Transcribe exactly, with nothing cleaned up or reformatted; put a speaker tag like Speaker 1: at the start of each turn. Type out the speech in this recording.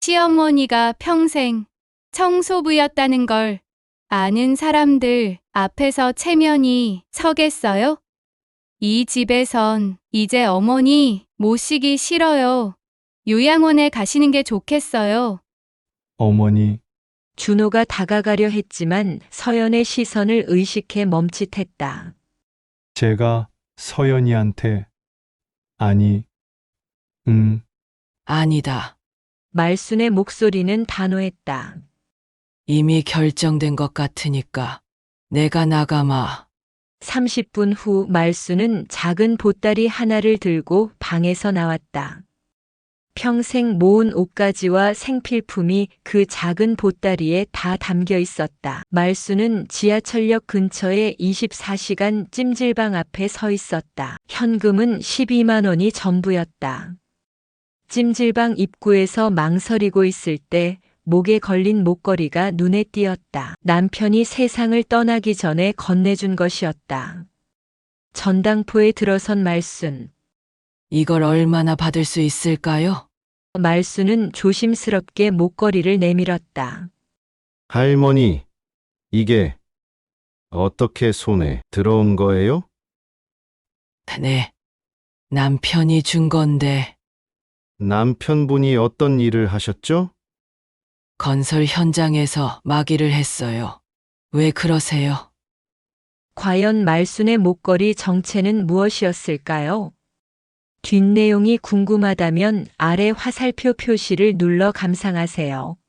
Speaker 1: 시어머니가 평생 청소부였다는 걸 아는 사람들 앞에서 체면이 서겠어요? 이 집에선 이제 어머니 모시기 싫어요. 요양원에 가시는 게 좋겠어요.
Speaker 2: 어머니,
Speaker 3: 준호가 다가가려 했지만 서연의 시선을 의식해 멈칫했다.
Speaker 2: 제가 서연이한테, 아니, 음,
Speaker 4: 아니다.
Speaker 3: 말순의 목소리는 단호했다.
Speaker 4: 이미 결정된 것 같으니까 내가 나가마.
Speaker 3: 삼십 분 후 말순은 작은 보따리 하나를 들고 방에서 나왔다. 평생 모은 옷가지와 생필품이 그 작은 보따리에 다 담겨 있었다. 말순은 지하철역 근처의 이십사 시간 찜질방 앞에 서 있었다. 현금은 십이만 원이 전부였다. 찜질방 입구에서 망설이고 있을 때 목에 걸린 목걸이가 눈에 띄었다. 남편이 세상을 떠나기 전에 건네준 것이었다. 전당포에 들어선 말순.
Speaker 4: 이걸 얼마나 받을 수 있을까요?
Speaker 3: 말순은 조심스럽게 목걸이를 내밀었다.
Speaker 5: 할머니, 이게 어떻게 손에 들어온 거예요?
Speaker 4: 네. 남편이 준 건데
Speaker 5: 남편분이 어떤 일을 하셨죠?
Speaker 4: 건설 현장에서 마기를 했어요. 왜 그러세요?
Speaker 3: 과연 말순의 목걸이 정체는 무엇이었을까요? 뒷내용이 궁금하다면 아래 화살표 표시를 눌러 감상하세요.